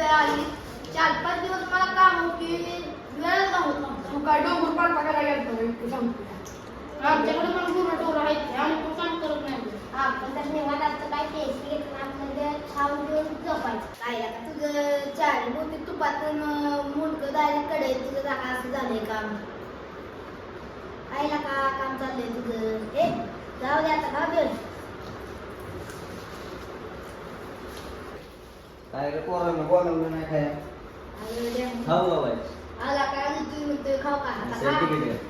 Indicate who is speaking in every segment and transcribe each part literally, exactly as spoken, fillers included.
Speaker 1: आली चार पाच दिवस मला काम होती वेळच नव्हता.
Speaker 2: तू काय डोंगर पार टाकायला गेलतो सांगतो
Speaker 1: आमच्याकडे पण गुरं टोरं आहेत आणि तू काम करत नाही.
Speaker 3: आपण तर निवांत असतं काय टेस्ट घेत ना आपल्याला खाऊन घेऊन झोपायचं. काय आता तुझं चार मोठी तुपातून मुंडकं डायरेक्ट कडे तुझं जागा असं झालंय काम. आईला का काम चाललंय तुझं हे जाऊ दे आता खाऊ दे.
Speaker 4: काय रे पोरांना बोलावलं नाही काय
Speaker 3: अरे देवा.
Speaker 4: खाऊ बाबा
Speaker 3: आला काय तू म्हणतोय खाऊ का आता खा.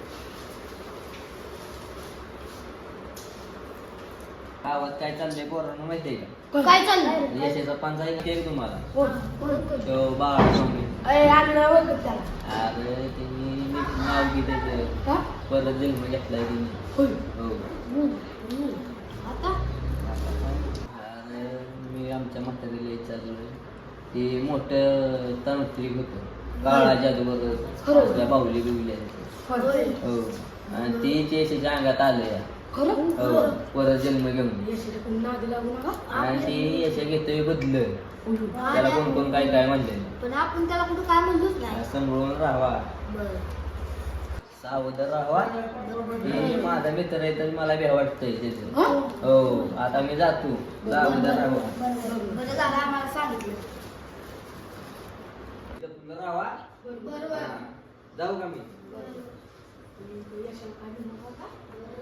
Speaker 4: गावात काय चाललंय पोरांना माहितीये का?
Speaker 1: काय चाललंय?
Speaker 4: यशाचा पांचा आहे तुम्हाला
Speaker 2: कोण
Speaker 3: कोण कोण
Speaker 4: तो बाळ स्वामी.
Speaker 2: अरे आणलं ओळखत त्याला
Speaker 4: अरे त्यांनी नीट नाव घे त्याचं
Speaker 2: का
Speaker 4: परत जन्म घेतलाय त्यांनी.
Speaker 2: होय
Speaker 4: हो
Speaker 1: आता
Speaker 4: अरे मी आमच्या म्हातारीला विचारलं ते मोठं तांत्रिक होतं काळा जादूगर
Speaker 2: खरं?
Speaker 4: असल्या बाहुली बिवल्या
Speaker 2: होय
Speaker 4: हो आणि ते ते यशाच्या अंगात आलं
Speaker 2: खरं
Speaker 4: हो परत जन्म घेऊन
Speaker 2: यशाच्या कोणी नादी लागू नका.
Speaker 4: आणि ते यशा घेतोय बदलं
Speaker 2: होय.
Speaker 4: त्याला कोण कोण काय काय म्हणले
Speaker 3: पण आपण त्याला कुठं काय म्हणलोच नाही.
Speaker 4: सांभाळून राहावा
Speaker 3: बरं
Speaker 4: सावध राहावा हे माझा मित्र आहे तर मला भ्या वाटतंय त्याचं
Speaker 2: हं?
Speaker 4: हो आता मी जातो सावध राहावा
Speaker 3: बरं झालं आम्हाला सांगितलं.
Speaker 4: तुला राहावा
Speaker 3: बरोबर
Speaker 4: हा. जाऊ का मी
Speaker 2: यशाला काय म्हणू नका का?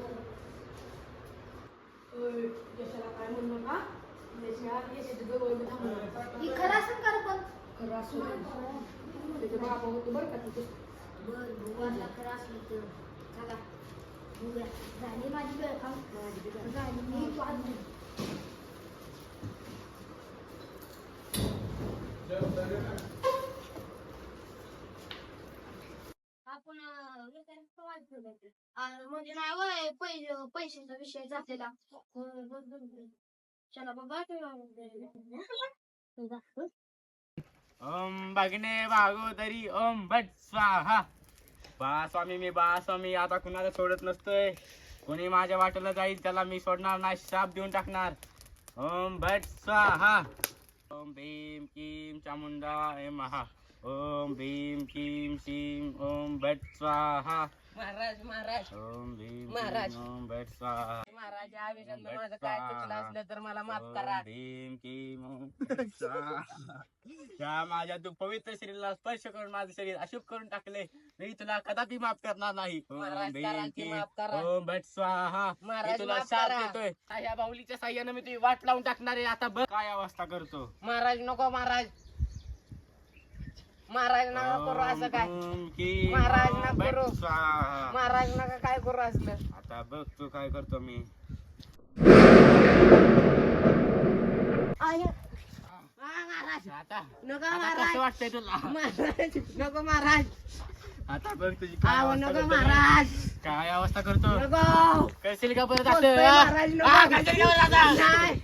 Speaker 2: होय, यशाला काय म्हणू नका. यशा यशाच्या जवळ मी थांबणार आहे.
Speaker 3: ही खरं असेल का रे पण
Speaker 2: खरं असू दे. त्याचे बाबा होते बरं का तिथे.
Speaker 3: बरं भगवानला खरं असलं तर चला बघूया. झाली माझी वेळ काम झाली मी वाजली.
Speaker 1: आपण अं, हे काय प्रवास केला. अं, म्हणजे नाही वय पैसे पैशाचा विषय झालेला. चला बाबा
Speaker 5: ओम भगने भागोदरी ओम भट स्वाहा. बा स्वामी मी बा स्वामी आता कुणाला सोडत नसतोय. कोणी माझ्या वाटेला जाईल त्याला मी सोडणार नाही. शाप देऊन टाकणार. ओम भट स्वाहा. ओम भीम किम चामुंडा हे महा. ओम भीम किम शिम ओम भट स्वाहा.
Speaker 6: महाराज महाराज
Speaker 5: ओम भीम
Speaker 6: महाराज.
Speaker 5: किम ओम भट स्वाहा.
Speaker 6: महाराज या विषयात माझं काय चुकलं असलं तर मला माफ करा.
Speaker 5: ओम भीम किम ओम भट स्वाहा. या माझ्या तू पवित्र शरीराला स्पर्श करून माझं शरीर अशुभ करून टाकले. मी तुला कदापि माफ करणार नाही. ओम
Speaker 6: महाराज,
Speaker 5: भीम
Speaker 6: करा की
Speaker 5: किम
Speaker 6: माफ करा.
Speaker 5: ओम भट स्वाहा.
Speaker 6: महाराज,
Speaker 5: मी तुला
Speaker 6: माफ
Speaker 5: शाप
Speaker 6: करा.
Speaker 5: देतोय. या बाहुलीच्या साह्याने मी तुझी वाट लावून टाकणार आहे. आता बघ काय अवस्था करतो.
Speaker 6: महाराज नको महाराज. महाराज नका करू असं काय.
Speaker 5: ओम किम
Speaker 6: महाराज
Speaker 5: ओम
Speaker 6: नका
Speaker 5: भट
Speaker 6: करू.
Speaker 5: स्वाहा.
Speaker 6: महाराज नका काय करू असलं.
Speaker 5: आता बघ तू काय करतो मी.
Speaker 6: महाराज
Speaker 5: आता
Speaker 6: नको
Speaker 5: आता
Speaker 6: महाराज.
Speaker 5: कसं वाटतंय तुला.
Speaker 6: महाराज नको महाराज.
Speaker 5: आता बघ तुझी काय
Speaker 6: आहो
Speaker 5: अवस्था
Speaker 6: नको
Speaker 5: करतो मी.
Speaker 6: महाराज.
Speaker 5: काय अवस्था करतो.
Speaker 6: नको
Speaker 5: करशील का परत
Speaker 6: बोलतोय
Speaker 5: असं?
Speaker 6: महाराज, नको.
Speaker 5: हा, करशील का परत असं?
Speaker 6: नाही.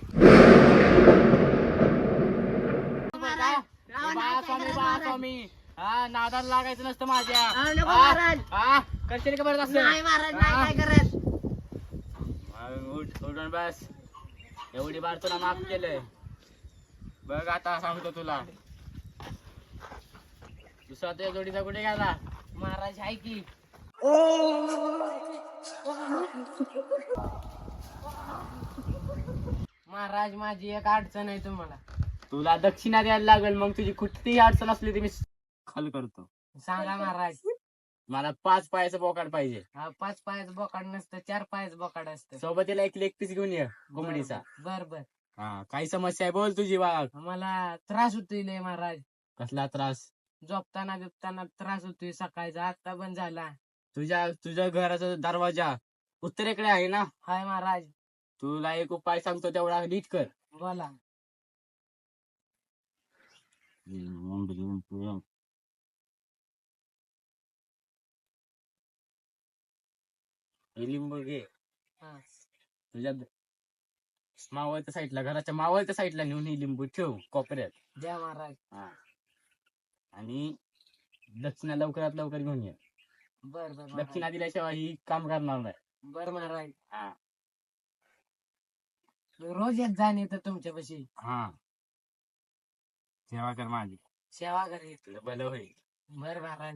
Speaker 5: काय?
Speaker 6: राव,
Speaker 5: बा
Speaker 6: नाही
Speaker 5: स्वामी
Speaker 6: काय
Speaker 5: बा
Speaker 6: महाराज.
Speaker 5: स्वामी हा नादाला लागायचं नसतं माझ्या.
Speaker 6: हा, नको
Speaker 5: हा,
Speaker 6: महाराज.
Speaker 5: हा, करशील का परत असं?
Speaker 6: नाही महाराज
Speaker 5: हा?
Speaker 6: नाही काय करत.
Speaker 5: मग उठ उठून बस. एवढी बार तुला माफ केलंय. बघ आता सांगतो तुला. दुसरा तुझ्या जोडीचा कुठे गेला.
Speaker 6: महाराज आहे की. महाराज माझी एक अडचण आहे तुम्हाला.
Speaker 5: तुला दक्षिणा द्यायला लागेल. मग तुझी कुठलीही अडचण असली ती मी हल करतो.
Speaker 6: सांगा महाराज.
Speaker 5: मला पाच पायाचं बोकाड पाहिजे.
Speaker 6: हा, पाच पायाचं बोकाड नसतं चार पायाचं बोकाड असतं.
Speaker 5: सोबतीला एक लेग पीस घेऊन ये कोंबडीचा.
Speaker 6: बर बर.
Speaker 5: हा काही समस्या आहे बोल तुझी वाघ.
Speaker 6: मला त्रास होतोय लय महाराज.
Speaker 5: कसला त्रास.
Speaker 6: झोपताना बिपताना त्रास होतोय. सकाळचा आता पण झाला.
Speaker 5: तुझ्या तुझ्या घराचा दरवाजा उत्तरेकडे आहे ना.
Speaker 6: हाय महाराज.
Speaker 5: तुला एक उपाय सांगतो तेवढा नीट कर.
Speaker 6: बोला.
Speaker 5: हे लिंबू घे.
Speaker 6: हा.
Speaker 5: तुझ्या मावळत्या साईडला घराच्या मावळत्या साईडला नेऊन ही लिंबू ठेव कोपऱ्यात.
Speaker 6: द्या महाराज.
Speaker 5: हा. आणि दक्षिणा लवकरात लवकर घेऊन ये.
Speaker 6: बर बर महाराज.
Speaker 5: दक्षिणा दिल्याशिवाय ही काम करणार नाही.
Speaker 6: बर महाराज.
Speaker 5: हा
Speaker 6: रोज येत जाण येतं तुमच्यापाशी.
Speaker 5: हा सेवा कर माझी.
Speaker 6: सेवा करेल
Speaker 5: तुला भलं होईल.
Speaker 6: बर महाराज.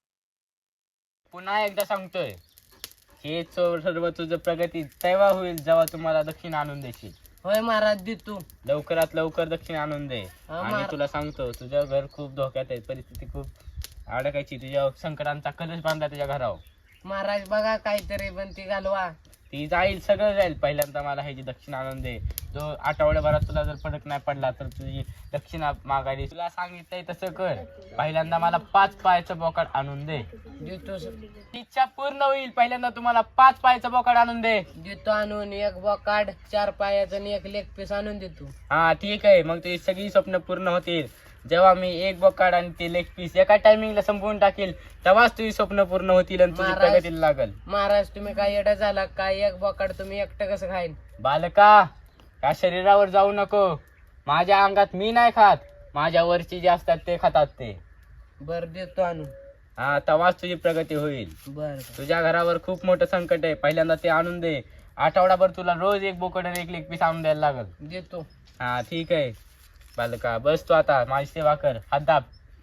Speaker 5: पुन्हा एकदा सांगतोय, हे चो- सर्व तुझं प्रगती तेव्हा होईल जेव्हा तुम्हाला दक्षिण आणून देशील.
Speaker 6: होय महाराज देतो.
Speaker 5: लवकरात लवकर दक्षिण आणून दे.
Speaker 6: हा,
Speaker 5: आणि
Speaker 6: महाराज.
Speaker 5: तुला सांगतो, तुझं घर खूप धोक्यात आहे, परिस्थिती खूप अडकायची. तुझ्या संकटांचा कलश बांधला तुझ्या घरावर.
Speaker 6: महाराज बघा काहीतरी पण ती घालवा.
Speaker 5: ती जाईल, सगळं जाईल. पहिल्यांदा मला ह्याची दक्षिण आणून दे. तो आठवड्याभरात तुला जर फरक नाही पडला तर तुझी दक्षिणा मागायची. तुला सांगितलंय तसं कर. पहिल्यांदा मला पाच पायाचं बोकाड आणून दे.
Speaker 6: देतो
Speaker 5: इच्छा पूर्ण होईल. पहिल्यांदा तुम्हाला पाच पायाचं बोकाड आणून दे.
Speaker 6: देतो आणून एक बोकाड, चार पायाचं आणि एक लेग पीस आणून देतो.
Speaker 5: हा ठीक आहे, मग तुझी सगळी स्वप्न पूर्ण होतील. जेव्हा मी एक बोकाड आणि ते लेग पीस एका टायमिंगला संपवून टाकेल तेव्हाच तुझी स्वप्न पूर्ण होतील आणि तुझी
Speaker 6: महाराज.
Speaker 5: प्रगतीला लागल.
Speaker 6: महाराज तुम्ही काय येडा झाला काय? एक बोकाड तुम्ही एकटं कसं खाईन?
Speaker 5: बालका, या शरीरावर जाऊ नको. माझ्या अंगात मी नाही खात, माझ्या वरची जे असतात ते खातात ते.
Speaker 6: बर देतो आणून.
Speaker 5: हा, तेव्हाच तुझी प्रगती होईल.
Speaker 6: बर
Speaker 5: तुझ्या घरावर खूप मोठं संकट आहे. पहिल्यांदा ते आणून दे. आठवडाभर तुला रोज एक बोकड आणि एक लेग पीस आणून द्यायला लागल.
Speaker 6: देतो.
Speaker 5: हा ठीक आहे बालका, बस तू आता माझी सेवा कर. हात दाब.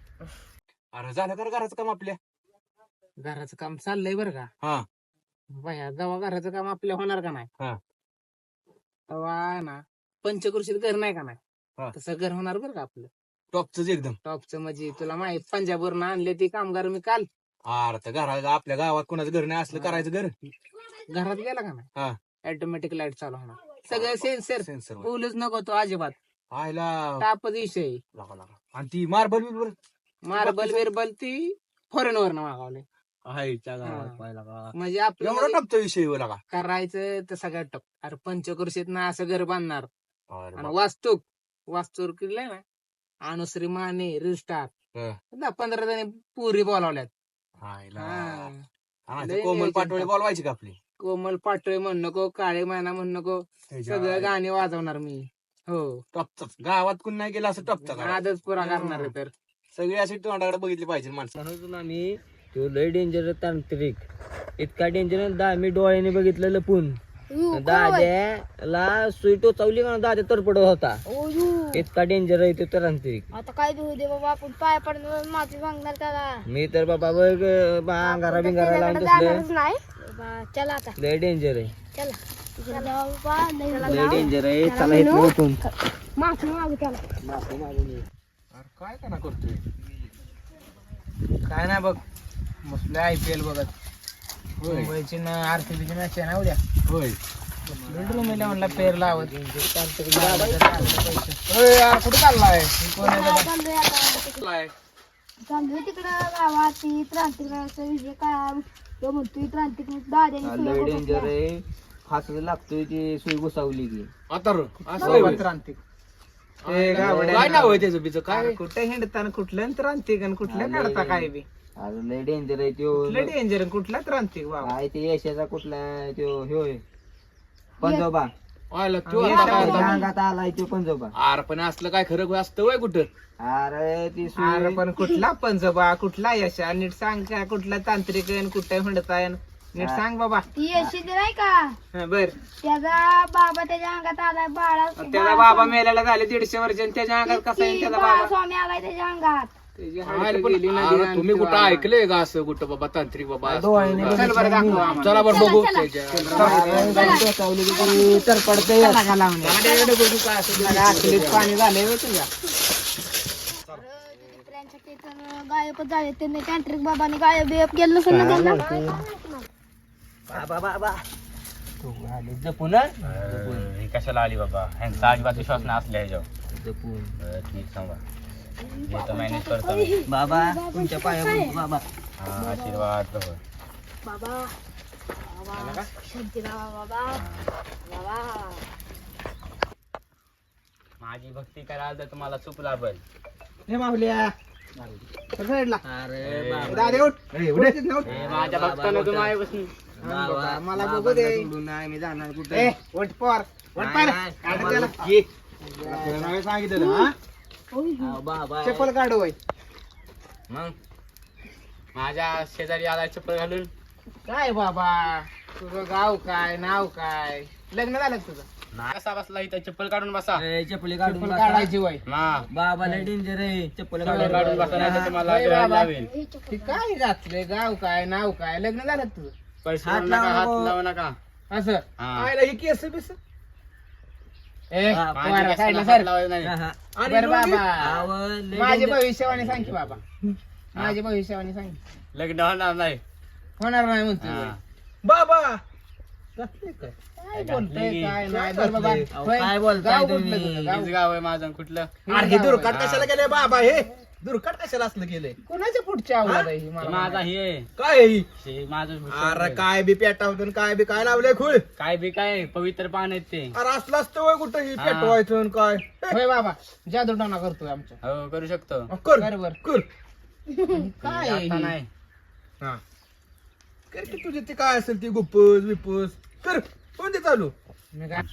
Speaker 7: अरे झालं कर घराचं काम आपल्या.
Speaker 6: घराचं काम चाललंय बरं का?
Speaker 7: हा.
Speaker 6: बाया जेव्हा घराचं काम आपल्या होणार का नाही,
Speaker 7: हा.
Speaker 6: तेव्हा ना पंचकृषीत घर नाही का
Speaker 7: हा.
Speaker 6: नाही, तसं घर होणार बरं का आपलं.
Speaker 7: टॉपच एकदम.
Speaker 6: टॉपचं म्हणजे तुला माहित, पंजाबवरून आणले ती कामगार मी काल.
Speaker 7: अरे तर घरा आपल्या गावात कोणाचं घर नाही असलं करायचं घर.
Speaker 6: घरात गेला का
Speaker 7: हा.
Speaker 6: नाही, ऑटोमॅटिक लाईट चालू होणार. सगळं सेन्सर.
Speaker 7: सेन्सर
Speaker 6: बोलूच नको तो अजिबात.
Speaker 7: आयला
Speaker 6: तापच विषय.
Speaker 7: लागा लागा. आणि ती मार्बल बिर्बल
Speaker 6: मार्बल बिरबल ती फॉरेन वरनं मागवले.
Speaker 7: आईच्या
Speaker 6: हा.
Speaker 7: गावात पाहिला का?
Speaker 6: म्हणजे आपलं
Speaker 7: एवढा
Speaker 6: म्हणजे
Speaker 7: टपचा विषय हो लागा.
Speaker 6: करायचं तर सगळ्यात टप. अरे पंचकृषीत ना असं घर बांधणार.
Speaker 7: अरे
Speaker 6: आणि
Speaker 7: बाप.
Speaker 6: वास्तूक वास्तूर केलंय ना, अनुश्री माने रिस्टार
Speaker 7: हा.
Speaker 6: दहा पंधरा जणी पुरी बोलावल्यात.
Speaker 7: आईला.
Speaker 6: हा.
Speaker 7: आणि
Speaker 6: लय
Speaker 7: ते कोमल
Speaker 6: नियोजन
Speaker 7: पाटोळे
Speaker 6: टाक.
Speaker 7: बोलवायची का आपली?
Speaker 6: कोमल पाटोळे म्हण नको, काळे माना म्हण नको, सगळं गाणे वाजवणार मी. हो,
Speaker 7: टॉपच. गावात कोण नाही गेला असं टॉपचा करा.
Speaker 6: आजच पुरा करणार आहे तर.
Speaker 7: सगळी अशी तोंडाकडे बघितली पाहिजे माणसं.
Speaker 4: म्हणून आम्ही तो लय डेंजर तांत्रिक, इतका डेंजर दा मी डोळ्याने बघितलं लपून. दाद्याला सुई टोचावली का दाद्या तरपडत होता. इतका डेंजर आहे तो तांत्रिक.
Speaker 1: आता काय देऊ दे बाबा, आपण पाया पडणार माफी मागणार त्याला.
Speaker 4: मी तर बाबा बघ अंगारा बिंगारा लावून
Speaker 1: जाणारच
Speaker 4: तसलं
Speaker 1: नाही बाबा. चला आता,
Speaker 4: लय डेंजर आहे,
Speaker 1: चला चला बाबा, लय
Speaker 4: लय डेंजर आहे. चला इथून उठून
Speaker 1: माफी मागू त्याला.
Speaker 7: अरे काय का ना करतोय?
Speaker 6: काय नाही बघ, मस्त आय पी एल बघत.
Speaker 7: होय.
Speaker 6: मुंबईची ना आरसीबीची मॅच आहे ना उद्या.
Speaker 7: होय.
Speaker 6: बेडरूम म्हणला पेर लावत. होय यार, कुठे चाललाय? कोण आहे बाबा?
Speaker 1: चाललोय आता, चाललोय तिकडं गावात. ती क्रांतिकाराचा विषय काय तो म्हणतोय, क्रांतिक दाद्याने
Speaker 4: लय डेंजर आहे. फासला लागतोय ती सुई घुसावली की.
Speaker 7: आता रो. असं होय होय.
Speaker 6: क्रांतिक
Speaker 7: काय नाव आहे त्याचं बीचं काय?
Speaker 6: काय कुठे हिंडताना कुठलं क्रांतिक आणि कुठल्या काढता काय बी
Speaker 4: अरे लय डेंजर आहे त्यो.
Speaker 6: कुठलं डेंजर कुठला क्रांतिक बाबा.
Speaker 4: काय ते यशाचा कुठला त्यो होय पंजोबा.
Speaker 7: आयला तू
Speaker 6: आणि
Speaker 7: आता
Speaker 6: येता
Speaker 7: काय
Speaker 6: का?
Speaker 7: आता?
Speaker 4: अंगात आलाय त्यो पंजोबा.
Speaker 7: अरे पण असलं काय खरं असतं वय कुठं?
Speaker 4: अरे ती
Speaker 6: अरे
Speaker 4: सुई
Speaker 6: पण कुठला पंजोबा, कुठला यशा, नीट सांग का? कुठला तांत्रिक आहे, कुठे हिंडताय, नीट सांग बाबा.
Speaker 1: ती यशी नाही का,
Speaker 6: हा, बर.
Speaker 1: त्याचा बाबा त्याच्या अंगात आलाय. बाळा
Speaker 6: त्याचा बाबा मेल्याला झाले दीडशे वर्ष आणि त्याच्या अंगात कसा येईल त्याचा बाबा?
Speaker 1: स्वामी आलाय त्याच्या अंगात.
Speaker 6: त्याची
Speaker 7: अरे
Speaker 6: हाडं
Speaker 7: पण-
Speaker 6: गेली ना
Speaker 7: अरे
Speaker 6: ती
Speaker 7: तुम्ही कुठं
Speaker 6: आणि
Speaker 7: ऐकलंय का असं कुठं बाबा तांत्रिक बाबा?
Speaker 4: डोळ्याने
Speaker 6: चल बरं दाखव आम्हाला.
Speaker 7: चला बरं बघू.
Speaker 4: टोचावली की ती तरपडते.
Speaker 6: चला का लावून द्या. गाड्याकडे बघू काय असं झालं. आखलीत पाणी झालंय बघ तुझ्या.
Speaker 1: त्यांच्यासाठी तर गायबच झाले. त्यांनी तांत्रिक बाबांनी गायब बियब केलं नसेल ना त्यांना.
Speaker 4: बाबा बाबा तू आली जपून हं?
Speaker 5: अं, ही कशाला आली बाबा? ह्यांचा अजिबात विश्वास नाही असल्या ह्याच्यावर.
Speaker 4: जपून.
Speaker 5: बरं, ठीक सांगा. मी तर मॅनेज करतो मी.
Speaker 4: बाबा तुमच्या पाया पडतो बाबा.
Speaker 5: हा, आशीर्वाद प्रभू.
Speaker 1: बाबा बाबा शांती राहा बाबा. बाबा
Speaker 5: माझी भक्ती कराल तर तुम्हाला चूक लाभल.
Speaker 6: हे माऊल्या साईडला.
Speaker 4: अरे बाबा
Speaker 6: दादा उठ. उठ तिथनं उठ.
Speaker 5: हे माझ्या भक्तानं तुम्हाला बसून
Speaker 4: बाबा,
Speaker 6: मला बघू
Speaker 4: बाबांना
Speaker 6: दे.
Speaker 4: सोडून नाही मी जाणार
Speaker 6: ए,
Speaker 4: कुठे.
Speaker 6: उठ पोर. उठ
Speaker 4: नाही,
Speaker 6: पाय.
Speaker 4: नाही,
Speaker 6: काढ
Speaker 4: तुम्हाला-
Speaker 6: त्याला.
Speaker 7: ये. तुला नावे सांगितलं हा?
Speaker 4: बाबा
Speaker 6: चप्पल काढू होय.
Speaker 5: मग माझ्या शेजारी आला चप्पल घालून.
Speaker 6: काय बाबा, तुझं गाव काय, नाव काय, लग्न झालं का तुझं?
Speaker 5: नाही कसा बसला इथं चप्पल काढून बसा
Speaker 4: ए, चप्पली काढून
Speaker 6: चप्पल
Speaker 4: बसा.
Speaker 6: काढायची वय
Speaker 5: हा
Speaker 4: बाबाला डेंजर आहे चप्पल
Speaker 5: चप्पल
Speaker 4: काढून
Speaker 5: काढून बसा नाही तर तुम्हाला
Speaker 6: ए,
Speaker 5: डोळ्यात
Speaker 6: बाबा.
Speaker 5: लावेल.
Speaker 6: ते काय घातलंय गाव काय नाव काय लग्न झालं तुझं
Speaker 5: पैसे
Speaker 4: हात
Speaker 5: लावू नका
Speaker 4: लावा
Speaker 5: हात
Speaker 4: नको.
Speaker 5: लावू नका
Speaker 6: असं
Speaker 5: हा.
Speaker 6: आयला ही केस बिस ए
Speaker 4: हा,
Speaker 5: माझ्या
Speaker 6: पोरा,
Speaker 5: केसाला
Speaker 6: साईडला
Speaker 5: हात
Speaker 6: सर
Speaker 5: लावायचं नाही.
Speaker 4: हा, हा.
Speaker 6: बरं बाबा
Speaker 4: आवं, लय
Speaker 6: माझे
Speaker 4: danger.
Speaker 6: भविष्यवाणी सांग की बाबा माझे भविष्यवाणी सांग
Speaker 5: लग्न होणार नाही
Speaker 6: होणार नाही म्हणतो
Speaker 5: हा.
Speaker 6: बाबा घातले काय काय बोलतोय
Speaker 5: घातले.
Speaker 6: काय नाही बरं बाबा
Speaker 4: अहो,
Speaker 6: होय,
Speaker 4: काय बोलताय
Speaker 6: गाव
Speaker 4: तुम्ही?
Speaker 6: कुठलं तुझं? गाव?
Speaker 5: हेच गाव आहे माझं कुठलं
Speaker 7: अरे हे दुर्घट
Speaker 5: हा.
Speaker 7: कशाला केलंय बाबा हे दुर्घट कशाला असलं केलंय
Speaker 6: कोणाच्या पुढच्या आवडत आहे ही
Speaker 5: हे
Speaker 6: मला
Speaker 5: माझा
Speaker 6: माहिती.
Speaker 5: हे
Speaker 7: काय आहे ही?
Speaker 5: हे माझं
Speaker 7: अरे काय बी पेटावतं काय बी काय लावलंय खुळ
Speaker 5: काय बी काय पवित्र पान आहेत ते
Speaker 7: अरे असलं असतं होय कुठं ही
Speaker 5: हा.
Speaker 7: पेटवायचं आणि काय
Speaker 6: होय बाबा जादू टोना करतोय आमच्या
Speaker 5: हो करू शकतो
Speaker 7: अ, कर
Speaker 6: बरोबर.
Speaker 7: कर
Speaker 6: काय आहे
Speaker 5: आता
Speaker 6: ही?
Speaker 5: नाही
Speaker 7: हा कर की तुझे ते काय असेल ती गुप्पस बिप्पस कर कोणते चालू
Speaker 6: मी काय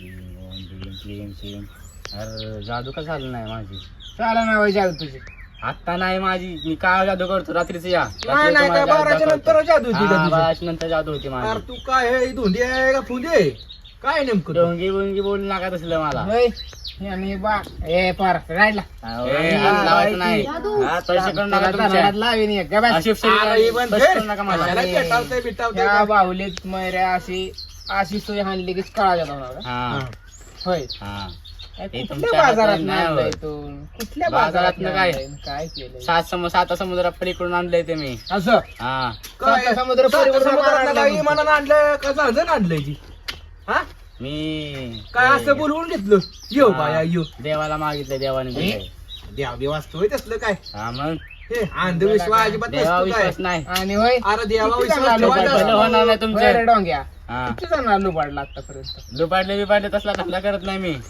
Speaker 5: अरे जादू का झालं नाही माझी
Speaker 6: चाला ना होय जादू तुझी
Speaker 5: आता नाही माझी मी काय जादू करतो रात्रीच या
Speaker 7: नाही नाही काय बाराच्या नंतर जादू होती का तुझी?
Speaker 5: बाराच्या नंतर जादू होती माझी
Speaker 7: अरे तू काय आहे ही धोंडी आहे का फुले आहे? काय नेमकं तू?
Speaker 5: डोंगी बोंगी बोलू नका तसलं मला
Speaker 6: होय आणि बा ए पार राहिला
Speaker 4: अहो,
Speaker 5: ए,
Speaker 4: आणि
Speaker 5: हात लावायचं नाही
Speaker 1: जादू.
Speaker 4: हात
Speaker 5: पैसे करू नका
Speaker 6: त्याला
Speaker 5: तुमच्या.
Speaker 6: धनात लावीन एक. गा बस.
Speaker 5: अशी शरीर-
Speaker 7: अरे ही पण
Speaker 5: पैसे
Speaker 7: घे.
Speaker 5: करू नका मला
Speaker 7: कशाला पेटावतंय बिटावतंय
Speaker 6: त्या
Speaker 7: का?
Speaker 6: बाहुलीत मैऱ्या अशी अशी सोय हाणली की काळा जातो ना
Speaker 5: हा
Speaker 6: होय
Speaker 5: हा
Speaker 6: काय
Speaker 5: हे
Speaker 6: कुठल्या
Speaker 5: तुमच्या
Speaker 6: बाजारात
Speaker 5: हातात नाही
Speaker 6: आणलंय
Speaker 5: होत.
Speaker 6: तू कुठल्या
Speaker 5: बाजारात
Speaker 6: बाजारात
Speaker 5: काय?
Speaker 6: आणलंय? काय केलंय
Speaker 5: सात सम सात समुद्रा पलीकडून आणलंय ते मी
Speaker 6: असं
Speaker 5: हा
Speaker 7: काय
Speaker 6: सात समुद्र
Speaker 7: सात
Speaker 6: परिवर्तन
Speaker 7: समुद्रातनं
Speaker 6: आणलं
Speaker 7: काय
Speaker 6: म्हणतो.
Speaker 7: इमानानं आणलं का जहाजन आणलंय ती हा
Speaker 5: मी
Speaker 7: काय असं बोलवून घेतलं यो बाया यो
Speaker 5: देवाला मागितलं देवाने दिलंय.
Speaker 7: देव देव असतोय तसलं काय
Speaker 5: हा मग
Speaker 7: हे अंधविश्वास अजिबात
Speaker 5: देवा
Speaker 7: नसतो काय
Speaker 5: विश्वास नाही
Speaker 6: आणि होय
Speaker 7: अरे देवा
Speaker 6: किती
Speaker 7: विश्वास
Speaker 6: जणांना
Speaker 7: ठेवायचा
Speaker 5: भलं
Speaker 6: लुबाडलं?
Speaker 7: असतो.
Speaker 5: होणार नाही
Speaker 6: होय रे
Speaker 5: तुमचं
Speaker 6: डोंग्या
Speaker 5: हा
Speaker 6: किती जणांना लुबाडला आतापर्यंत
Speaker 5: लुपाडले बिपाडले तसला धंदा करत नाही मी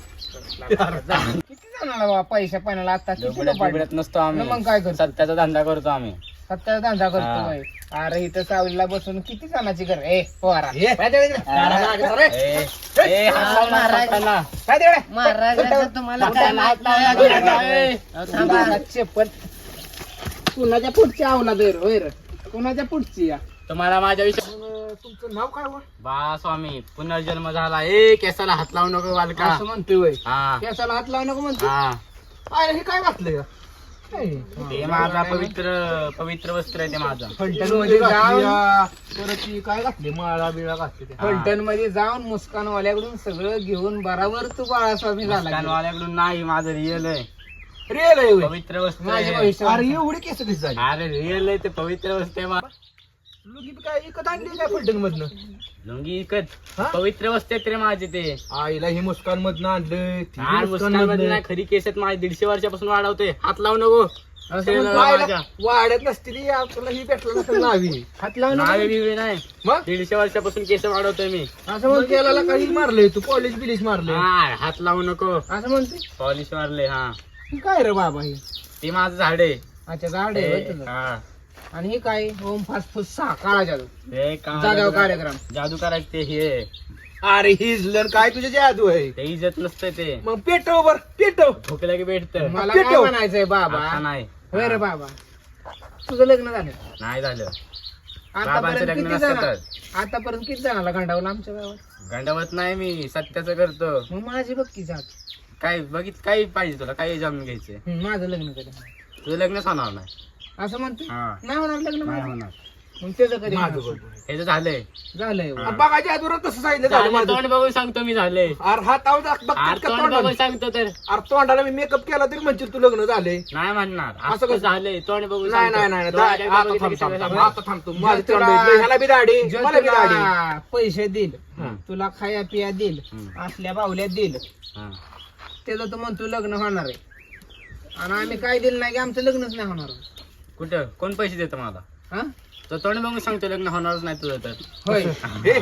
Speaker 6: किती जणांना बाबा पैशा पाण्याला आता किती
Speaker 5: लुबड्यात
Speaker 6: लुबाडलं?
Speaker 5: बिबड्यात नसतो
Speaker 6: मग
Speaker 5: आम्ही
Speaker 6: काय करतो?
Speaker 5: सत्याचा धंदा करतो आम्ही
Speaker 6: सत्याचा धंदा करतो
Speaker 5: हा.
Speaker 6: होय. अरे इथं सावलीला बसून किती जणांची घर ए पोरा
Speaker 7: हे.
Speaker 6: काय तिकडे?
Speaker 5: ए, ए, हात लावू नका सत्याला.
Speaker 6: काय तिकडे?
Speaker 3: महाराजांचं तुम्हाला
Speaker 5: सत्याला हात लावू नका. ए,
Speaker 6: थांबा, चप्पल कुणाच्या पुढची आवला दर होय रे कुणाच्या पुढची या
Speaker 5: तुम्हाला माझ्या विषयी
Speaker 7: अं, तुमचं नाव काय व?
Speaker 5: बा स्वामी पुनर्जन्म झाला ए केसाला हात लावू नको बालका
Speaker 6: असं म्हणतोय होय
Speaker 5: हा
Speaker 6: केसाला हात लावू नको म्हणतो
Speaker 5: हा
Speaker 7: अरे हे काय घातलंय का? काय?
Speaker 5: ते माझा पवित्र पवित्र वस्त्र आहे ते माझं
Speaker 6: फलटण मध्ये जाऊन
Speaker 7: या, परत ती काय घातली माळा बिळा घातली त्या.
Speaker 6: फलटण मध्ये जाऊन मुस्कानवाल्याकडून सगळं घेऊन बराबर तू बाळास्वामी झाला
Speaker 5: कानवाल्याकडून नाही माझं रिअल आहे
Speaker 7: रिअल आहे होय.
Speaker 5: पवित्र वस्त्र
Speaker 6: माझे
Speaker 5: आहे.
Speaker 6: भविष्य
Speaker 7: अरे एवढी केस कशी झाली
Speaker 5: अरे रिअल आहे ते पवित्र वस्त्र आहे मा-
Speaker 7: लुगी बी काय इकत आणली काय फलटण मधनं
Speaker 5: लुंगी इकत
Speaker 7: हा?
Speaker 5: पवित्र वस्त्र आहेत रे माझे ते
Speaker 7: आईला हे मुस्कान मधनं आणलं ती
Speaker 5: आणि
Speaker 7: मुस्कान
Speaker 5: मुस्कानमध्ये
Speaker 7: मधनं.
Speaker 5: नाही खरी केस आहेत माझे दीडशे वर्षापासून वाढवते हात लावू नको
Speaker 7: असं
Speaker 5: ते
Speaker 7: म्हणतो,
Speaker 5: माझ्या.
Speaker 7: आईला वाढत नसती ती आपल्याला ही भेटलं नसेल नावी
Speaker 6: हात लावू
Speaker 5: नावे
Speaker 6: नको
Speaker 5: बिवे नाही
Speaker 7: मग
Speaker 5: दीडशे वर्षापासून केस वाढवतोय मी
Speaker 6: असं
Speaker 7: मग
Speaker 6: म्हणते
Speaker 7: त्याला काही मारलंय तू पॉलिश बिलिश मारलंय
Speaker 5: हा हात लावू नको
Speaker 6: असं म्हणते
Speaker 5: पॉलिश मारले हा
Speaker 6: ही काय रे बाबा ही
Speaker 5: ते माझं झाड आहे
Speaker 6: अच्छा झाड आहे होय तुझं.
Speaker 5: हा
Speaker 6: आणि हे काय ओम फास्ट फूड सहा काळा जादू
Speaker 5: ते का-
Speaker 6: जाग्यावर कार्यक्रम
Speaker 5: जादू करायचं ते हे
Speaker 7: अरे हिजलं काय तुझे जादू आहे
Speaker 5: ते इज्जत नसतं ते
Speaker 7: मग पेटव बर पेटव
Speaker 5: भुकलं की भेटत
Speaker 6: मला
Speaker 7: पेटव.
Speaker 6: काय म्हणायचंय बाबा
Speaker 5: नाही
Speaker 6: होय रे बाबा तुझं लग्न झालं
Speaker 5: नाही झालं बाबांचं
Speaker 6: आतापर्यंत
Speaker 5: लग्न
Speaker 6: किती
Speaker 5: नसतं
Speaker 6: जण
Speaker 5: तर.
Speaker 6: आतापर्यंत किती जणाला गंडावलं आमच्या गावात
Speaker 5: गंडावत नाही मी सत्याचं करतो
Speaker 6: मग माझी बघ की जात
Speaker 5: काय बघित काही पाहिजे तुला काही जाणून घ्यायचे
Speaker 6: हं, माझं लग्न कधी
Speaker 5: तुझं लग्नच होणार नाही
Speaker 6: असं म्हणतो
Speaker 5: हा.
Speaker 6: नाही होणार लग्न
Speaker 5: नाही
Speaker 6: माझं.
Speaker 5: होणार
Speaker 6: मग त्याचं कधी
Speaker 7: माझं
Speaker 6: होणार?
Speaker 7: बघ.
Speaker 5: हे तर झालंय
Speaker 6: झालंय होय.
Speaker 5: हा.
Speaker 7: बघा जादूरात तसं सांगितलं झालं
Speaker 5: झालं,
Speaker 7: माझं.
Speaker 5: तोंड बघून सांगतो मी झाले
Speaker 7: अरे हात आव बघ
Speaker 5: तोंड
Speaker 7: तोंडाला
Speaker 5: बघून सांगतो तर
Speaker 7: अरे तोंडाला मी मेकअप केला तरी म्हणशील तू लग्न झाले
Speaker 5: नाही म्हणणार
Speaker 7: असं
Speaker 5: असं
Speaker 7: कसं?
Speaker 5: झालंय तोंड बघून
Speaker 7: नाही
Speaker 5: सांगतो.
Speaker 7: नाही नाही
Speaker 5: डोळ्यात
Speaker 7: दा-
Speaker 5: एकदा
Speaker 7: आता
Speaker 5: बघितलं
Speaker 7: थांब
Speaker 5: की
Speaker 7: थांब
Speaker 5: सगळं
Speaker 7: थांब.
Speaker 5: सांगतो.
Speaker 7: आता थांबतो माझं
Speaker 6: तुला-
Speaker 7: तोंड आहे. ह्याला बी दाढी
Speaker 6: जो
Speaker 7: मला बी दाढी
Speaker 6: तुला पैसे देईल
Speaker 5: हं.
Speaker 6: तुला खाया पिया देईल
Speaker 5: हं.
Speaker 6: असल्या बावल्या देईल
Speaker 5: हा.
Speaker 6: त्याचं तू म्हणतो लग्न होणार आहे आणि आम्ही काय दिलं नाही की आमचं लग्नच नाही होणार
Speaker 5: कुठं कोण पैसे देतं मला
Speaker 6: हा
Speaker 5: तो तोंड बघून सांगतो लग्न होणारच नाही तुझं तर
Speaker 6: होय
Speaker 7: हे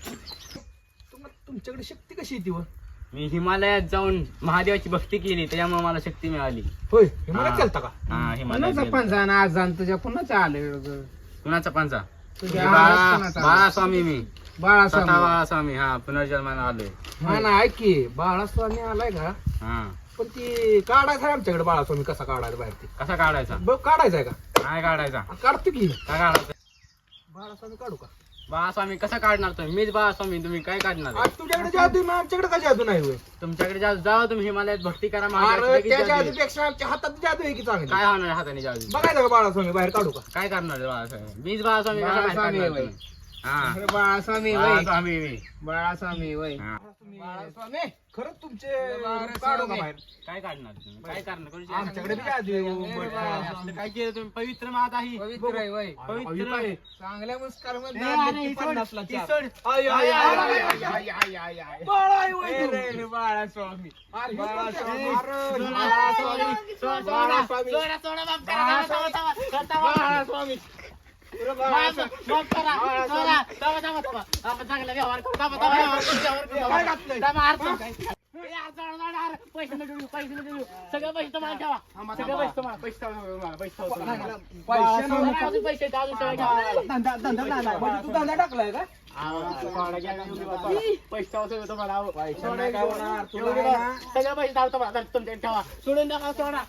Speaker 7: तुम- तुमच्याकडे शक्ती कशी येते व?
Speaker 5: मी हिमालयात जाऊन महादेवाची भक्ती केली त्याच्यामुळे मला शक्ती मिळाली
Speaker 7: होय हे मला
Speaker 5: हा.
Speaker 7: केलता का
Speaker 5: हा हिमालयात
Speaker 6: कुणाचा
Speaker 5: गेलो.
Speaker 6: पंजा आणि आज जाण तुझ्या कुणाचा आलं
Speaker 5: कुणाचा पंचा
Speaker 6: तुझ्या
Speaker 5: बाळा
Speaker 6: आवाज कुणाचा
Speaker 5: बाळा
Speaker 6: आला?
Speaker 5: स्वामी मी
Speaker 6: बाळास्वामी
Speaker 5: स्वतः बाळा स्वामी हा पुनर्जन्माला आलोय
Speaker 7: हा ना ऐक की बाळास्वामी आलाय का
Speaker 5: हा
Speaker 7: पण ती काढायचा आहे आमच्याकडे बाळास्वामी कसा काढायचा बाहेर ते
Speaker 5: कसा काढायचा
Speaker 7: बघ काढायचा आहे का
Speaker 5: काय काढायचा
Speaker 7: आ, काढतो की
Speaker 5: काय काढायचा
Speaker 7: बाळास्वामी काढू का
Speaker 5: बाळास्वामी कसं काढणार तुम्ही? मीच बाळास्वामी, तुम्ही काय काढणार?
Speaker 7: आज तुझ्याकडे जादू आहे, मग आमच्याकडे काय जादू नाही होय?
Speaker 5: तुमच्याकडे जा जाऊ तुम्ही हिमालयात भक्ती करा माझ्याकडे
Speaker 7: अरे
Speaker 5: लगेच
Speaker 7: त्या
Speaker 5: जादू आहे.
Speaker 7: जादूपेक्षा आमच्या हातात जादू आहे की चांगली.
Speaker 5: काय होणार हाताने जाऊ?
Speaker 7: बघायचं का बाळास्वामी बाहेर काढू का?
Speaker 5: काय करणार आहे बाळास्वामी? मीच बाळास्वामी कसं बाहेर
Speaker 6: बाळास्वामी
Speaker 5: काढणार
Speaker 6: होय.
Speaker 5: तुम्ही? हा
Speaker 6: अरे बाळास्वामी वय
Speaker 5: बाळास्वामी मी.
Speaker 6: बाळास्वामी वय
Speaker 5: हा.
Speaker 7: बाळास्वामी खरंच तुमचे काढू का बाहेर?
Speaker 5: काय काढणार तुम्ही? काय करणार करू
Speaker 7: आमच्याकडे बी जादू आहे. उंबरठा.
Speaker 5: असलं काय केलं तुम्ही? पवित्र माता ही
Speaker 6: पवित्र आहे वय
Speaker 5: पवित्र आहे.
Speaker 6: चांगल्या मुस्कार
Speaker 5: ए, अरे, ही सोड, ही सोड.
Speaker 7: आय, आय, आय, आय, आय, आय, आय, आय, आय. बाळा आहे होय तू.
Speaker 6: बाळास्वामी
Speaker 7: अरे,
Speaker 6: बाळास्वामी.
Speaker 7: अरे,
Speaker 5: बाळास्वामी. सोडा, सोडा, सोडा, सोडा, माफ करा, माफ करा, थांबा, थांबा, थांबा.
Speaker 7: बाळास्वामी.
Speaker 5: माफ माफ करा. सोडा. थांबा, थांबा, थांबा. आपण चांगला व्यवहार करू. थांबा, थांबा, व्यवहार करू, व्यवहार करू.
Speaker 7: काय घातलंय?
Speaker 5: थांबा, अर्थ. ए, अर्थ, अर्थ, अर्थ, अर्थ. पैसे नको देऊ, पैसे नको देऊ. सगळे पैसे तुम्हाला ठेवा. सगळे पैसे तुम्हाला, पैसे तुम्हाला, पैसे तुम्हाला.
Speaker 7: पैसे
Speaker 5: तुम्हाला अजून पैसे आहेत, अजून सगळे ठेवा.
Speaker 7: धंदा धंदा धंदा म्हणजे तू धंदा टाकलाय का?
Speaker 5: आहो, सोडा घ्या, एवढी बात सोडा. पैसे ठेवा सगळे तुम्हाला. आहो. सोडा,
Speaker 7: नाही काय होणार, तुला
Speaker 5: एवढी
Speaker 7: आहे
Speaker 5: बात. सगळे पैसे ठेवा तुम्हाला. आता तुमच्याकडे ठेवा. सोडून नका सोडा.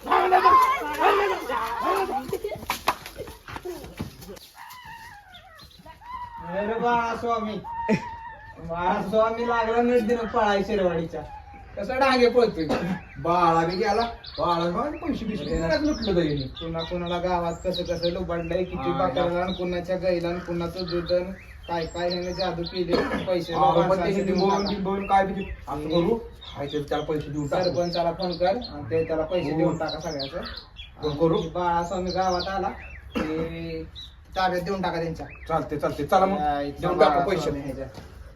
Speaker 6: अरे बाळास्वामी बाळास्वामी लागला नीट दिन पळाय शेरवाडीच्या कसं डागे पळतोय
Speaker 7: बाळा बी गेला बाळा पण पैसे बिशे लुटलं तरी
Speaker 6: पुन्हा कुणाला गावात कसं कसं लुबाडलंय किती बाकरला कुणाच्या गाईला आणि कुणाचं दुधन काय काय ह्याने जादू केले पैसे
Speaker 7: बोलून काय बी असं करू हाय ते त्याला पैसे देऊन टाकू.
Speaker 6: सरपंचाला फोन कर आणि ते त्याला पैसे देऊन टाका सगळ्याचं
Speaker 7: फोन करू?
Speaker 6: आणि बाळास्वामी गावात आला की ताब्यात देऊन टाका त्यांच्या
Speaker 7: चालते चालते चला मग
Speaker 6: या इथला
Speaker 7: देऊन टाकू
Speaker 6: बाळास्वामी
Speaker 7: पैसे.
Speaker 6: ह्याच्या.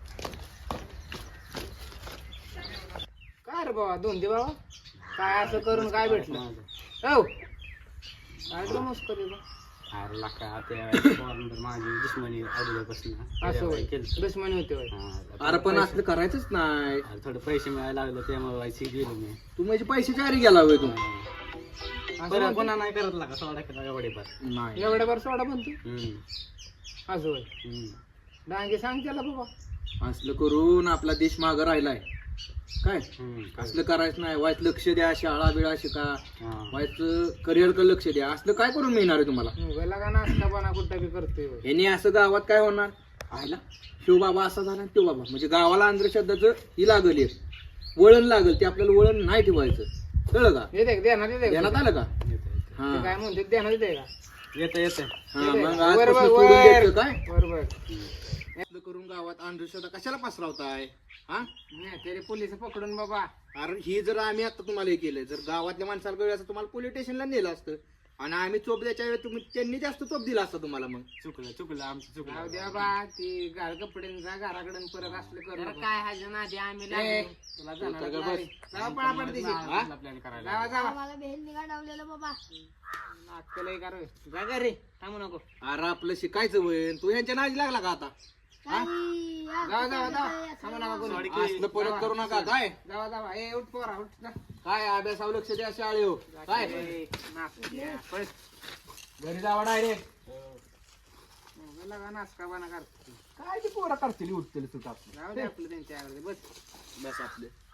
Speaker 6: काय रे बाबा दोन दे बाबा काय असं करून काय भेटलं हो काय रे मस्त रे बा.
Speaker 5: अरे लाका, त्या पोरानंतर माझी दुश्मनी अगोदरपासून
Speaker 6: असं होय
Speaker 5: केलं.
Speaker 6: दुश्मनी होते होय
Speaker 5: हा,
Speaker 7: अरे पण असलं करायचंच नाही
Speaker 5: अरे थोडे पैसे मिळायला लागले त्यामुळे व्हायची गेलो मी.
Speaker 7: तू म्हणजे पैसे चारी गेला होय तू
Speaker 5: बरं पुन्हा नाही करत लागा सोडा केला एवढे पण.
Speaker 7: नाही
Speaker 6: एवढ्या बरं सोडा म्हणतो
Speaker 5: हम्म,
Speaker 6: असं होय
Speaker 5: हम्म.
Speaker 6: डांगे सांग त्याला बाबा
Speaker 7: असलं करून आपला देश मागं राहिलाय काय
Speaker 5: हम्म,
Speaker 7: असलं करायचं नाही वाईट लक्ष द्या शाळा बिळा शिका
Speaker 5: हा.
Speaker 7: वाईट करिअर कडे लक्ष द्या असलं काय करून मिळणार आहे तुम्हाला
Speaker 6: मुगाला का नाश्ता बना कुठं बी करतोय होय.
Speaker 7: ह्याने असं गावात काय होणार आयला शिव बाबा असा झाला आणि तो बाबा म्हणजे गावाला अंधश्रद्धाचं ही लागल एक वळण लागल ते आपल्याला वळण नाही ठेवायचं कळलं का
Speaker 6: येते का? देणार येते का?
Speaker 7: ध्यानात आलं का
Speaker 6: ते
Speaker 7: हा
Speaker 6: काय म्हणते देणार येते का
Speaker 5: येतं येतं.
Speaker 7: हा,
Speaker 6: येते.
Speaker 7: मग
Speaker 6: वर,
Speaker 7: आजपासून
Speaker 6: वर,
Speaker 7: सोडून
Speaker 6: वर.
Speaker 7: द्यायचं काय
Speaker 6: बरोबर
Speaker 7: असलं करून गावात अंधश्रद्धा कशाला पसरवताय हा
Speaker 6: नाही तरी पोलिस पकडून बाबा
Speaker 7: अरे हे जर आम्ही आता तुम्हाला हे केलं जर गावातल्या माणसाला कळलं असतं तुम्हाला पोलीस स्टेशनला नेलं असतं आणि आम्ही चोप द्यायच्या वेळी तुम्ही त्यांनी जास्त चोप दिला असता तुम्हाला मग
Speaker 5: चुकलं चुकलं आमचं
Speaker 6: जाऊ
Speaker 5: चुकलं.
Speaker 6: द्या बा ती घाल कपड्यांचा घराकडे परत असलं करू नका.
Speaker 3: काय हाजन आधी आम्ही
Speaker 6: ए,
Speaker 3: लागलो.
Speaker 6: तुला जाणार
Speaker 7: उठा गं
Speaker 6: नाही.
Speaker 7: बस.
Speaker 6: जाऊ पळापळ दिशी. हा?
Speaker 5: आपला प्लॅन करायला.
Speaker 6: जावा जावा
Speaker 1: आम्हाला बेल निघाडवलेलं बाबा
Speaker 6: नाटकं लय करू जा घरी थांबू नको
Speaker 7: अरे आपलं शिकायचं वय तू ह्यांच्या नादी लागला का आता
Speaker 1: काही या
Speaker 6: जावा जावा जावा
Speaker 1: कुठं
Speaker 6: थांबू नका कोणी.
Speaker 7: असलं परत करू नका काय
Speaker 6: जावा जावा ए उठ पोरा उठ जा.
Speaker 7: काय अभ्यासावर लक्ष द्या शाळे हो काय
Speaker 6: ए, नाटकं द्या. पळ.
Speaker 7: घरी जावा डायरेक्ट
Speaker 6: मुगाला का नाचका बना करतो
Speaker 7: काय ती पोरं करतील उठतील सुद्धा
Speaker 6: जाऊ दे आपलं त्यांच्या बस
Speaker 7: बस आपले